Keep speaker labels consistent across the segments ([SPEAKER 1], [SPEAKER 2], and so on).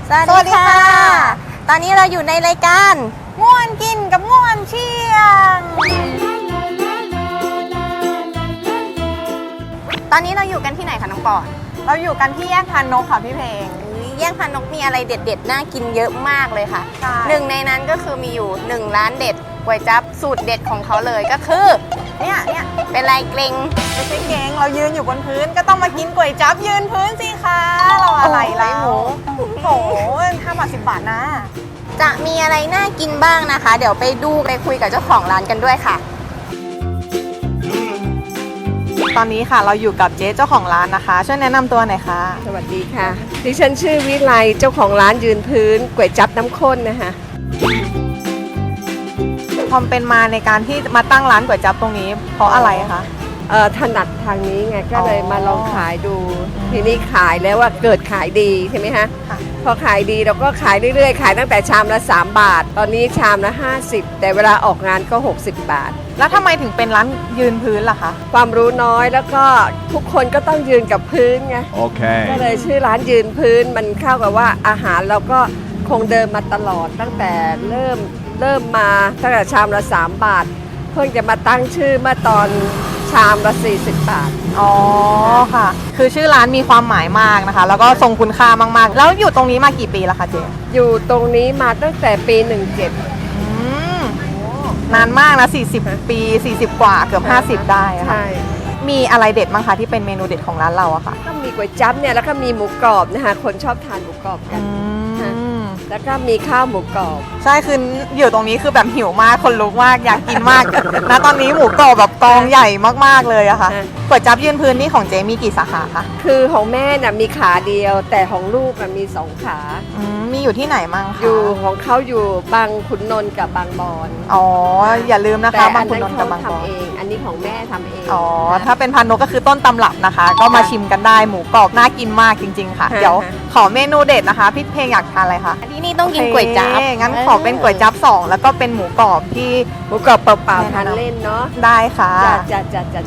[SPEAKER 1] สวัสดีค่ะตอนนี้เราอยู่ในรายการง่วนกินกับง่วนเชียงตอนนี้เราอยู่กันที่ไหนคะน้องปอน
[SPEAKER 2] เราอยู่กันที่แยกพานนกค่ะพี่เพลง
[SPEAKER 1] แยกพานนกมีอะไรเด็ดๆน่ากินเยอะมากเลยค่ะหนึ่งในนั้นก็คือมีอยู่1ร้านเด็ดก๋วยจั๊บสูตรเด็ดของเขาเลยก็คือเนี่ยเป็นลายเกรง
[SPEAKER 2] ไม่ใช่เกงเรายืนอยู่บนพื้นก็ต้องมากินก๋วยจั๊บยืนพื้นสิคะเราอะไรแล้วโอ้โห5 บาท 10 บาทนะ
[SPEAKER 1] จะมีอะไรน่ากินบ้างนะคะเดี๋ยวไปดูไปคุยกับเจ้าของร้านกันด้วยค่ะ
[SPEAKER 2] ตอนนี้ค่ะเราอยู่กับเจ๊เจ้าของร้านนะคะช่วยแนะนำตัวหน่อยค่ะ
[SPEAKER 3] สวัสดีค่ะดิฉันชื่อวิไลเจ้าของร้านยืนพื้นก๋วยจั๊บน้ำข้นนะคะ
[SPEAKER 2] ความเป็นมาในการที่มาตั้งร้านก๋วยจั๊บตรงนี้เพราะอะไรคะ
[SPEAKER 3] ถนัดทางนี้ไงก็เลยมาลองขายดูทีนี้ขายแล้วว่าเกิดขายดีใช่ไหมคะพอขายดีเราก็ขายเรื่อยๆขายตั้งแต่ชามละ3 บาทตอนนี้ชามละ50แต่เวลาออกงานก็60 บาท
[SPEAKER 2] แล้วทำไมถึงเป็นร้านยืนพื้นล่ะคะ
[SPEAKER 3] ความรู้น้อยแล้วก็ทุกคนก็ต้องยืนกับพื้นไง
[SPEAKER 4] โอเค
[SPEAKER 3] ก็เลยชื่อร้านยืนพื้นมันเข้ากับว่าอาหารเราก็คงเดิมมาตลอดตั้งแต่เริ่มมาตั้งแต่ชามละ3 บาทเพิ่งจะมาตั้งชื่อเมื่อตอนชามละ40 บาท
[SPEAKER 2] อ๋อค่ะคือชื่อร้านมีความหมายมากนะคะแล้วก็ทรงคุณค่ามากๆแล้วอยู่ตรงนี้มากี่ปีแล้วคะเจ๊
[SPEAKER 3] อยู่ตรงนี้มาตั้งแต่ปี17
[SPEAKER 2] นานมากนะ40 ปี40 กว่าเกือบ50ได้ค่ะ
[SPEAKER 3] ใช่
[SPEAKER 2] มีอะไรเด็ดบ้างคะที่เป็นเมนูเด็ดของร้านเราอะค่ะ
[SPEAKER 3] ก็มีก๋วยจั๊บเนี่ยแล้วก็มีหมูกรอบนะคะคนชอบทานหมูกรอบกันแล้วก็มีข้าวหมูกรอบ
[SPEAKER 2] ใช่คืออยู่ตรงนี้คือแบบหิวมากคนลุกมากอยากกินมากนะตอนนี้หมูกรอบแบบกองใหญ่มากๆเลยอะค่ะก๋วยจั๊บยืนพื้นนี่ของเจมีกี่สาขาคะ
[SPEAKER 3] คือของแม่น่ะมีขาเดียวแต่ของลูกมี2 ขา
[SPEAKER 2] มีอยู่ที่ไหนมั่งคะ
[SPEAKER 3] อยู่ของเขาอยู่บางขุนนนท์กับบางบอน
[SPEAKER 2] อ๋ออย่าลืมนะคะบางขุนนนท์กับบางบอน
[SPEAKER 3] อันนี้ของแม่ทำเอง
[SPEAKER 2] อ๋อถ้าเป็นพานนกก็คือต้นตำรับนะคะก็มาชิมกันได้หมูกรอบน่ากินมากจริงๆค่ะเดี๋ยวขอเมนูเด็ดนะคะพี่เพลงอยากทานอะไรคะ
[SPEAKER 1] ที่นี่ต้องกินก๋วยจั๊บ
[SPEAKER 2] งั้นขอเป็นก๋วยจั๊บ2แล้วก็เป็นหมูกรอบที่
[SPEAKER 3] หมูกรอบเปล่าๆทานเล่นเนาะ
[SPEAKER 2] ได้ค่ะ
[SPEAKER 3] จัด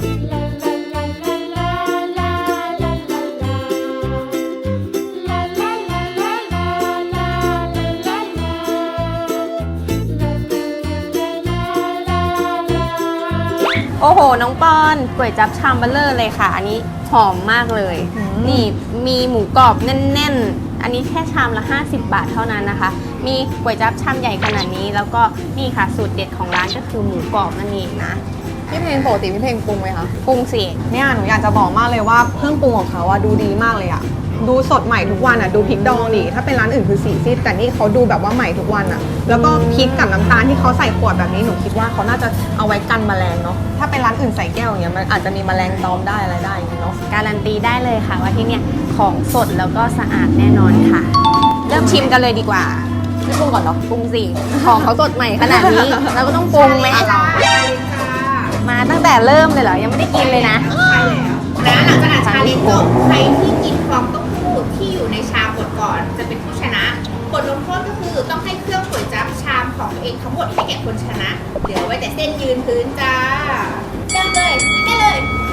[SPEAKER 1] โอ้โหน้องปอนก๋วยจั๊บชามเบลเลอร์เลยค่ะอันนี้หอมมากเลยนี่มีหมูกรอบแน่นๆอันนี้แค่ชามละ50 บาทเท่านั้นนะคะมีก๋วยจั๊บชามใหญ่ขนาดนี้แล้วก็นี่ค่ะสูตรเด็ดของร้านก็คือหมูกรอบนั่นเองนะ
[SPEAKER 2] พี่เพลงปกติพี่เพลงปรุงไหมคะ
[SPEAKER 1] ปรุงสิ
[SPEAKER 2] เนี่ยหนูอยากจะบอกมากเลยว่าเครื่องปรุงของเขาอะดูดีมากเลยอะดูสดใหม่ทุกวันอะดูพริกดองดิถ้าเป็นร้านอื่นคือสีซีดแต่นี่เขาดูแบบว่าใหม่ทุกวันอะแล้วก็พริกกับน้ำตาลที่เขาใส่ขวดแบบนี้หนูคิดว่าเขาน่าจะเอาไว้กันแมลงเนาะถ้าเป็นร้านอื่นใส่แก้วอย่างเงี้ยมันอาจจะมีแมลงตอมได้อะไรได้เนาะ
[SPEAKER 1] การันตีได้เลยค่ะว่าที่เนี่ยของสดแล้วก็สะอาดแน่นอนค่ะเริ่มชิมกันเลยดีกว่า
[SPEAKER 2] ไม่ปรุงก่อนเนาะ
[SPEAKER 1] ปรุงสิของเขาสดใหม่ขนาดนี้เราก็ต้องปรุงไหมมาตั้งแต่เริ่มเลยเหรอยังไม่ได้กินเลยนะ
[SPEAKER 5] ใช่แล้วนะหลังจากนั้นชาเลนจ์จบใครที่กินฟองเต้าหู้ที่อยู่ในชามหมดก่อนจะเป็นผู้ชนะบทลงโทษก็คือต้องให้เครื่องก๋วยจั๊บชามของตัวเองทั้งหมดให้แก่คนชนะเหลือไว้แต่เส้นยืนพื้นจ้าเริ่มเลยได้เลย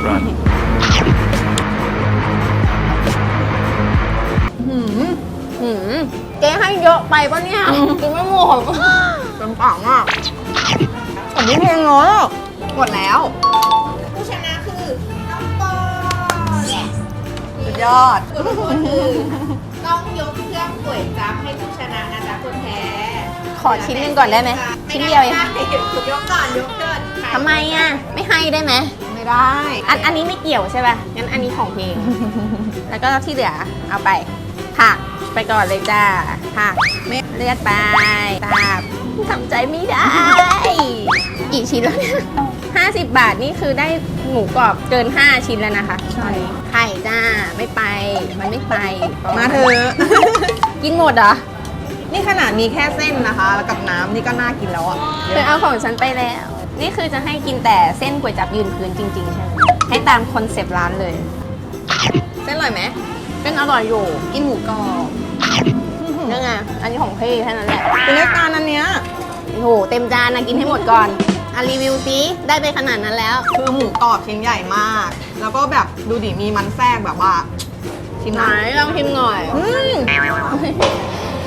[SPEAKER 1] เจ๊ให้เยอะไปปะเนี่ยกินไม่หมด
[SPEAKER 2] เต็มปากมากอันนี้เพลงเนาะหมดแล้ว
[SPEAKER 5] ผู้ชนะคือน้องปอน
[SPEAKER 2] สุดยอด
[SPEAKER 5] บทลงโทษคือต้องยกเครื่องก๋วยจั๊บให้ผู้ชนะนะจ๊ะคนแพ้
[SPEAKER 1] ขอชิ้นนึงก่อนได้ไหมชิ้นเดียวเอง
[SPEAKER 5] ยกก่อนยกเกิน
[SPEAKER 1] ทำไมอ่ะไม่ให้ได้ไหม
[SPEAKER 2] ไม่ได้
[SPEAKER 1] อันนี้ไม่เกี่ยวใช่ป่ะงั้นอันนี้ของเพลงแล้วก็ที่เหลือเอาไปผักไปก่อนเลยจ้าผักเลือดไปตาบทำใจไม่ได้กี่ชิ้นแล้วเนี่ย50 บาทนี่คือได้หมูกรอบเกิน5 ชิ้นแล้วนะคะ
[SPEAKER 2] ใช่
[SPEAKER 1] ไข่จ้าไม่ไปมันไม่ไป
[SPEAKER 2] มาเถอะ
[SPEAKER 1] กินหมดเหรอ
[SPEAKER 2] นี่ขนาดมีแค่เส้นนะคะแล้วกับน้ำนี่ก็น่ากินแล้วอ่ะ
[SPEAKER 1] เธอเอาของฉันไปแล้วนี่คือจะให้กินแต่เส้นก๋วยจั๊บยืนพื้นจริงๆใช่ไหมให้ตามคอนเซปต์ร้านเลย
[SPEAKER 2] เส้นอร่อยไหม
[SPEAKER 1] เส้นอร่อยอยู่
[SPEAKER 2] กินหมูกรอบ
[SPEAKER 1] นี่ไงอันนี้ของพี่แค่นั้นแหละ
[SPEAKER 2] เป็นรายการอันเนี้ย
[SPEAKER 1] โอ้โหเต็มจานนะกินให้หมดก่อนรีวิวซิได้ไปขนาดนั้นแล้ว
[SPEAKER 2] คือหมูกรอบชิ้นใหญ่มากแล้วก็แบบดูดิมีมันแทรกแบบว่าชิม
[SPEAKER 1] ไหนลองชิมหน่อย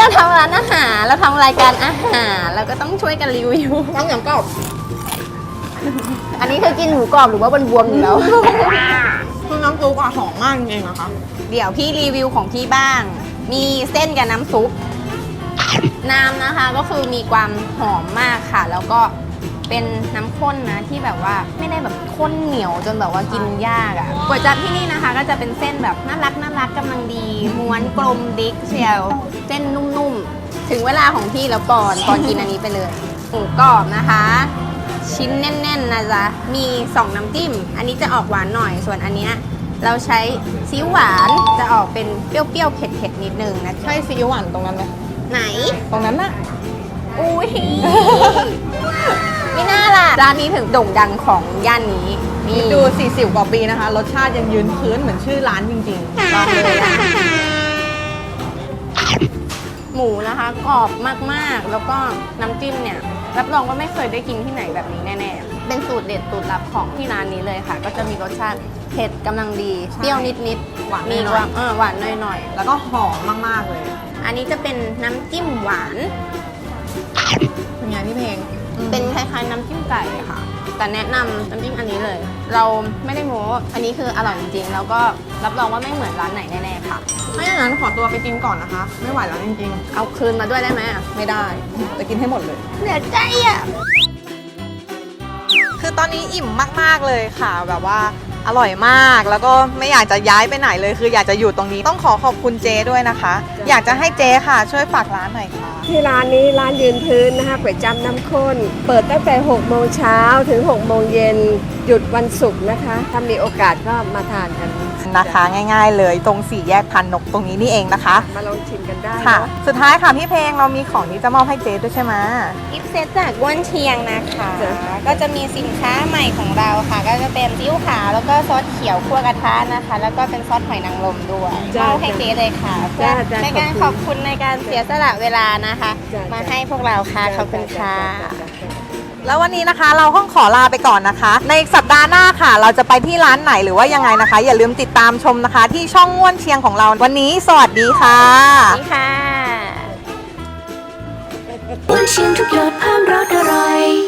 [SPEAKER 1] เราทำร้านอาหารเราทำรายการอาหารเราก็ต้องช่วยกันรีวิว
[SPEAKER 2] ต้องอย่างกรอบ
[SPEAKER 1] อันนี้คือกินหมูกรอบหรือว่าบวมๆอยู่แล้ว
[SPEAKER 2] คือน้ำซุปอะหอมมากจริงๆนะคะ
[SPEAKER 1] เดี๋ยวพี่รีวิวของพี่บ้าง มีเส้นกับน้ำซุป น้ำนะคะก็คือมีความหอมมากค่ะ แล้วก็เป็นน้ำข้นนะที่แบบว่าไม่ได้แบบข้นเหนียวจนแบบว่ากินยากอะ่ะก๋วยจั๊บที่นี่นะคะ ก็จะเป็นเส้นแบบน่ารักกำลังดี ม้วนกลมดิกเชียวเส้นนุ่มๆ ถึงเวลาของพี่แล้วก่อนกินอันนี้ไปเลยหมูกรอบนะคะ ชิ้นแน่นๆนะจ๊ะมี 2 น้ำจิ้ม อันนี้จะออกหวานหน่อยส่วนอันเนี้ยเราใช้ซีอิ๊วหวานจะออกเป็นเปรี้ยวๆเผ็ดๆนิดนึงนะ
[SPEAKER 2] ใช่ซีอิ๊วหวานตรงนั้นไหม
[SPEAKER 1] ไหน
[SPEAKER 2] ตรงนั้นน่ะ
[SPEAKER 1] อุ้ย ไม่น่าล่ะ ร้านนี้ถึงโด่งดังของย่านนี้นี่
[SPEAKER 2] ดู 40 กว่าปีนะคะ รสชาติยังยืนพื้นเหมือนชื่อร้านจริงๆ
[SPEAKER 1] ลองเลยอะหมูนะคะกรอบมากๆ แล้วก็น้ำจิ้มเนี่ยรับรองว่าไม่เคยได้กินที่ไหนแบบนี้แน่ๆ เป็นสูตรเด็ดสูตรลับของที่ร้านนี้เลยค่ะ ก็จะมีรสชาติเผ็ดกำลังดี
[SPEAKER 2] ใช่
[SPEAKER 1] เปรี้ยวนิด
[SPEAKER 2] หวาน
[SPEAKER 1] มี
[SPEAKER 2] หน่
[SPEAKER 1] ค
[SPEAKER 2] อ
[SPEAKER 1] วาย มหวานหน่อย
[SPEAKER 2] แล้วก็หอมมากๆเลย
[SPEAKER 1] ๆ อันนี้จะเป็นน้ำจิ้มหวาน
[SPEAKER 2] เป็นไงพี่เพลง
[SPEAKER 1] เป็นคล้ายๆน้ำจิ้มไก่ค่ะ แต่แนะนำน้ำจิ้มอันนี้เลย เราไม่ได้โม้อันนี้คืออร่อยจริงๆ แล้วก็รับรองว่าไม่เหมือนร้านไหนแน่ๆค่ะ
[SPEAKER 2] ถ้าอย่างนั้นขอตัวไปกินก่อนนะคะ ไม่ไหวแล้วจริง
[SPEAKER 1] เอาคืนมาด้วยได้ไหม
[SPEAKER 2] ๆ ไม่ได้ จะกินให้หมดเลย
[SPEAKER 1] เหนื่อยใจอ่ะ
[SPEAKER 2] คือตอนนี้อิ่มมากๆเลยค่ะ แบบว่าอร่อยมาก แล้วก็ไม่อยากจะย้ายไปไหนเลย คืออยากจะอยู่ตรงนี้ ต้องขอขอบคุณเจด้วยนะคะ อยากจะให้เจค่ะ ช่วยฝากร้านหน่อยค่ะ
[SPEAKER 3] ที่ร้านนี้ร้านยืนพื้นนะคะก๋วยจั๊บน้ำข้น เปิดตั้งแต่6โมงเช้าถึง6โมงเย็นหยุดวันศุกร์นะคะ ถ้ามีโอกาสก็มาทานกัน
[SPEAKER 2] นะคะง่ายๆเลยตรงสี่แยกพันนกตรงนี้นี่เองนะคะ
[SPEAKER 3] มาลองชิมกันได้
[SPEAKER 2] ค่ะ
[SPEAKER 3] เนอะ
[SPEAKER 2] สุดท้ายค่ะพี่เพลงเรามีของที่จะมอบให้เจด้วยใช่ไหม
[SPEAKER 1] กิฟต์เซตจากก้วนเชียงนะคะ ก็จะมีสินค้าใหม่ของเราค่ะ ก็จะเป็นซีอิ๊วขาวแล้วก็ซอสเขียวคั่วกระทะนะคะ แล้วก็เป็นซอสหอยนางรมด้วยมอบให้เจ๊เลยค่ะเพื่อในการขอบคุณในการเสียสละเวลานะคะ มาให้พวกเราค่ะขอบคุณค่ะ
[SPEAKER 2] แล้ววันนี้นะคะเราต้องขอลาไปก่อนนะคะ ในสัปดาห์หน้าค่ะ เราจะไปที่ร้านไหนหรือว่ายังไงนะคะ อย่าลืมติดตามชมนะคะ ที่ช่องง่วนเชียงของเราวันนี้สวัสดีค่ะ
[SPEAKER 1] นี่ค่ะ
[SPEAKER 4] วันเชียงทุกหยดเพิ่มรสอร่อย